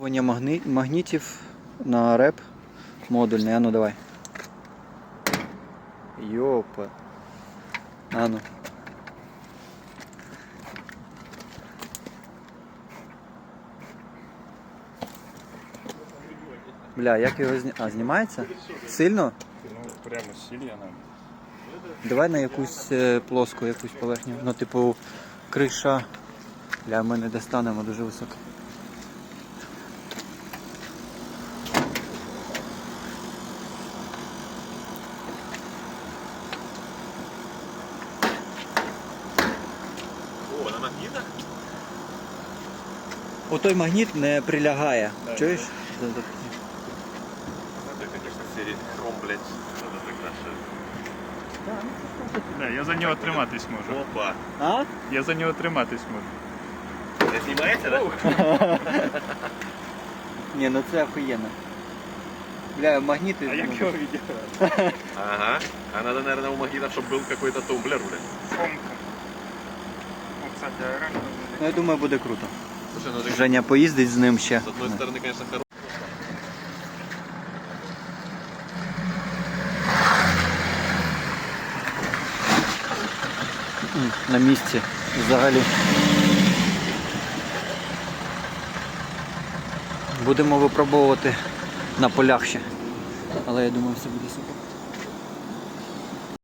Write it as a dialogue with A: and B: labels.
A: Магнітів на реп модульний. Ану давай. Йопа. Ану. Бля, як його знімається? Сильно?
B: Ну, прямо сильно нам.
A: Давай на якусь плоску, якусь поверхню. Ну, типу, криша. Бля, ми не достанемо дуже високо.
C: О, на магнітах?
A: Отой магніт не прилягає.
B: Да,
A: Чуєш?
C: Это, конечно, серии хром, блядь, надо закрашивать.
B: Да, я за нього триматись можу.
C: Опа.
A: А?
C: Я
B: за нього триматись можу.
C: Не снимаете, да?
A: Ні, ну це охуєнно. Бля, магніти...
B: А як
A: ну,
B: його відіграти?
C: Ага. А надо, наверное, у магнитов, чтобы был какой-то тумблер, блядь.
B: Фомка. Ну, кстати, оранжевий.
A: Ну, я думаю, буде круто.
C: Слушай, ну ты
A: Женя поїздить з ним ще.
C: с одной стороны, конечно, хорошо.
A: На місці взагалі. Будемо випробовувати на полях ще. Але я думаю, все буде супер.